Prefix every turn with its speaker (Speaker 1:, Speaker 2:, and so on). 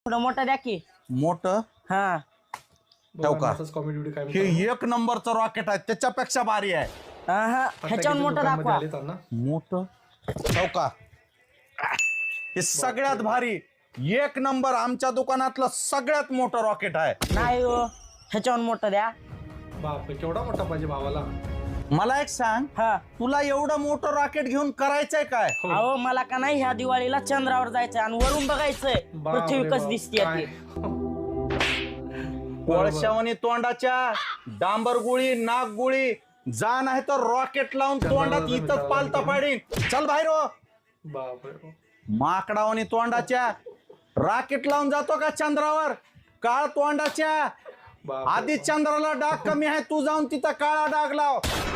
Speaker 1: थोडं मोठं द्या की.
Speaker 2: मोठं
Speaker 1: हा
Speaker 2: ठेव का?
Speaker 3: कॉमेडी व्हिडिओ काय
Speaker 2: हे एक नंबरचं रॉकेट आहे, त्याच्यापेक्षा भारी आहे.
Speaker 1: हा ह्याच्यावर मोठं दाखवा.
Speaker 2: मोठं ठेव का? हे सगळ्यात भारी एक नंबर आमच्या दुकानातलं सगळ्यात मोठं रॉकेट आहे.
Speaker 1: नाही हो, ह्याच्यावर मोठं द्या.
Speaker 3: बापरे केवढा मोठा पाहिजे भावाला.
Speaker 2: मला एक सांग,
Speaker 1: हा
Speaker 2: तुला एवढं मोठं रॉकेट घेऊन करायचंय काय?
Speaker 1: अहो मला का नाही ह्या दिवाळीला चंद्रावर जायचंय आणि वरून बघायचंय पृथ्वी कस दिसते ती.
Speaker 2: कोळशावणी तोंडाच्या डांबर गुळी नाग गुळी जा नाही तर रॉकेट लावून तोंडात इथंच पालता पाडीन. चल बाहेर हो.
Speaker 3: बापरे
Speaker 2: माकडावणी तोंडाच्या रॉकेट लावून जातो का चंद्रावर? काळ तोंडाच्या आधी चंद्राला डाग कमी आहे, तू जाऊन तिथं काळा डाग लाव.